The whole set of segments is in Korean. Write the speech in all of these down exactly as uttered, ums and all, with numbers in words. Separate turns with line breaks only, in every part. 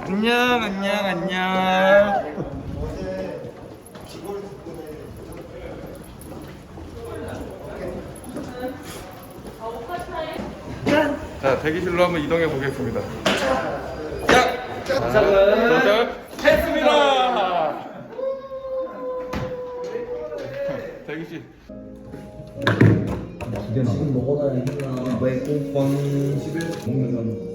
안녕 안녕 안녕. 자, 대기실로 한번 이동해 보겠습니다. 자, 도착 했습니다. 대기실.
지금 먹어놔야 힘나. 왜 꽁빵 집에 먹는 사람.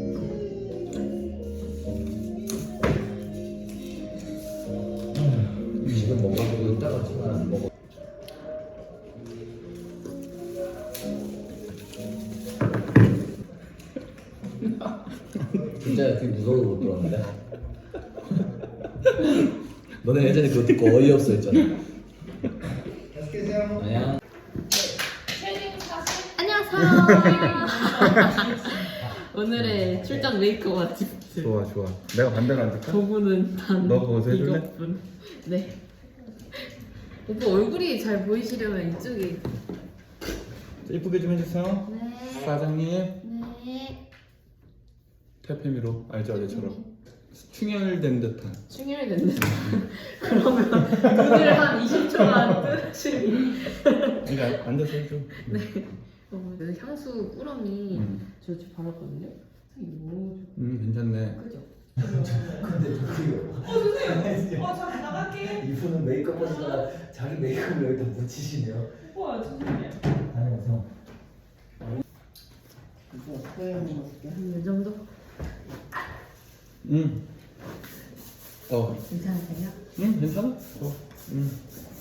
지금 먹어도 이따가 지금 안 먹어. 진짜 되게 무서워서 못 들었는데. 너네 예전에 그거 듣고 어이없어 했잖아. 아니야.
안녕하세요. 오늘의 출장 메이크업 아티스트.
좋아 좋아. 내가 반대로 앉을까?
저분은 단
너 그거 해줄래?
이것뿐. 네. 오빠 얼굴이 잘 보이시려면 이쪽에.
이쁘게 좀 해주세요.
네.
사장님.
네.
태페미로 알죠 어제처럼 충혈된 듯한.
충혈됐네. 그러면 눈을 한 이십 초만 뜨시니.
이거 앉아서 해줘.
네. 어, 그 향수 꾸러미
음.
저 지금 바랐거든요. 너무
음 괜찮네.
그죠?
근데 그거. 어 선생님. 어 잠깐 나갈게. 이분은 메이크업 하시다가 자기 메이크업을 여기다 묻히시네요.
와 죄송해요.
다녀오세요.
한이 정도?
음. 어.
괜찮으세요?
음 괜찮아. 어. 음.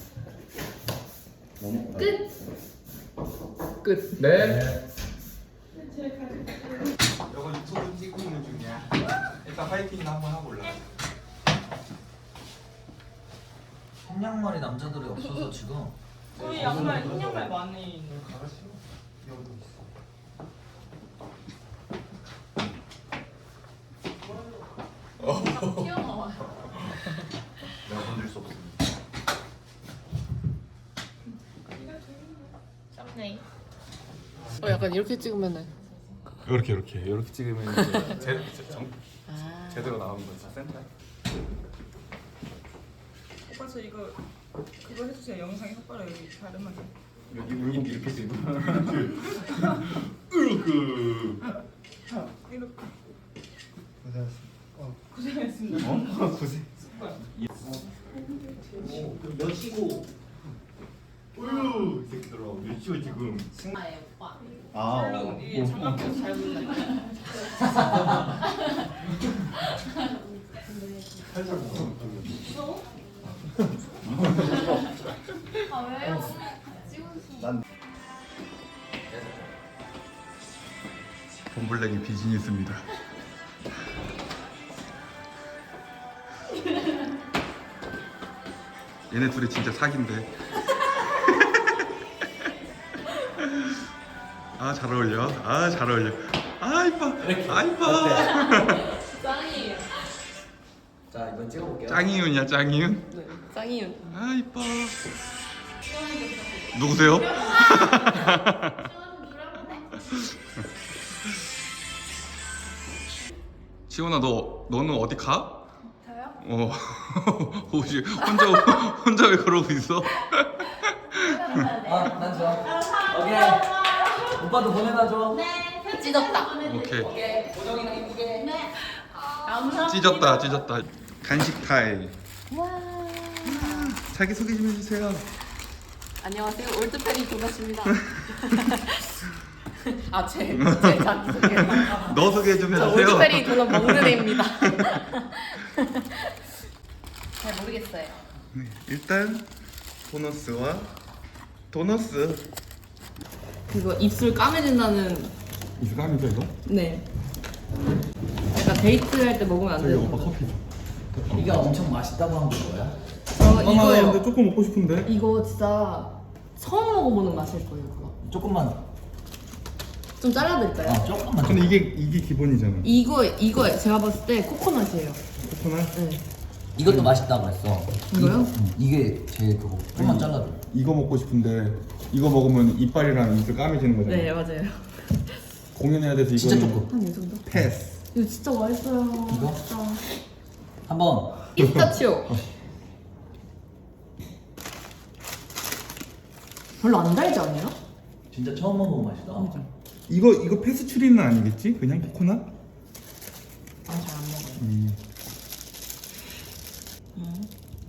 너무.
끝. 끝.
네.
제일 가지고
이거 유튜브 찍고 있는 중이야. 일단 화이팅이나 한번 하고 올라.
흰 양말이 남자들이 없어서 지금.
저희 양말 흰 양말 많이 튀어나와요.
내가 건들 수 없습니다.
썸네일.
어 약간 이렇게 찍으면은.
이렇게 이렇게 이렇게 찍으면 이제 제, 제, 정,
아.
제대로 나오는 거지. 센터.
오빠 저 이거 그거 해주세요. 영상에 혓바닥 여기 자르면
여기 물고기 이렇게 찍고. 으르그.
이렇게
고생하셨습니다.
고생했습니다.
어? 고생.
몇 시고?
어휴 이 새끼들아 몇 시야 지금?
아예 오빠.
아
물론 이게 장갑 껴서 잘 보인다.
살짝 먹어.
아 왜요? 찍으시면.
본블랙이 비즈니스입니다. 얘네 둘이 진짜 사기인데. 아 잘 어울려. 아 잘 어울려. 아 이뻐. 아 이뻐.
짱이에요.
자 이번 찍어볼게요.
짱이윤이야 짱이윤.
네. 짱이윤.
아 이뻐. 누구세요? 시원아 너 너는 어디 가?
저요?
어 혹시 혼자 혼자 왜 그러고 있어?
아난 좋아. 오케이. 오빠도 보내놔줘.
찢었다.
오케이
보정이랑 이쁘게.
찢었다 찢었다. 간식 타임.
와.
자기 소개 좀 해주세요.
안녕하세요. 올드페리 도넛입니다. 아, 제, 제 자기소개.
너 소개 좀
저
해주세요.
올드페리 도넛 먹는 애입니다. 잘 모르겠어요.
네, 일단 도너스와 도너스.
그거 입술 까매진다는.
이거 까미죠 이거?
네. 약간 데이트할 때 먹으면 안
저기
되는
오빠
거.
커피 줘.
이게 엄청 맛있다고 한 거야?
저
아,
이거요.
근데 조금 먹고 싶은데.
이거 진짜 처음 먹어보는 맛일 거예요. 그거.
조금만.
좀 잘라드릴까요?
어 조금만.
근데 이게 이게 기본이잖아.
이거 이거 제가 봤을 때 코코넛이에요.
코코넛.
네.
이것도 맛있다고 했어.
이거요?
이- 응, 이게 제 그거. 조금만 잘라줘.
이거 먹고 싶은데 이거 먹으면 이빨이랑 입술 까매지는 거잖아.
네 맞아요.
공연해야 돼서 이거는
진짜 조금.
한 이 정도?
패스.
이거 진짜 맛있어요.
이거?
진짜.
한번
피스타치오. 별로 안 달지 않아요?
진짜 처음 먹어본 맛이다.
이거 이거 페스츄리는 아니겠지? 그냥 코코넛?
아, 잘 안 먹어요.
음.
음.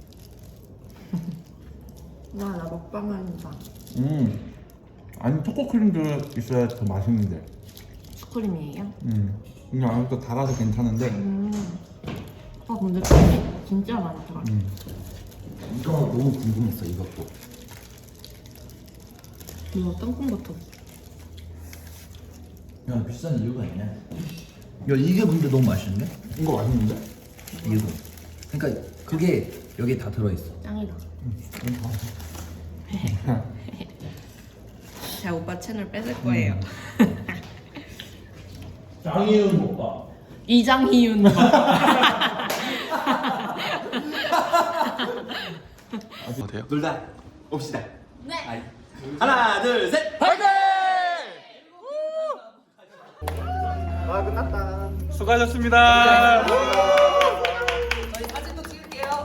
와, 나 먹방한다.
음. 아니 초코크림도 있어야 더 맛있는데.
슈크림이에요?
음. 이거 아무것도 달아서 괜찮은데.
음. 아, 근데 크림이 진짜 많더라.
음.
이거 너무 궁금했어 이것도.
이거 땅콩버터.
야 비싼 이유가 있네. 야 이게 근데 너무 맛있는데?
이거 맛있는데?
이거. 그러니까 그게 여기 다 들어있어.
짱이다. 자, 오빠 채널 뺏을 거예요.
장이은 먹방.
이장희윤.
어때요?
놀다 옵시다.
네.
하나, 둘, 셋. 파이팅!
수고하셨습니다.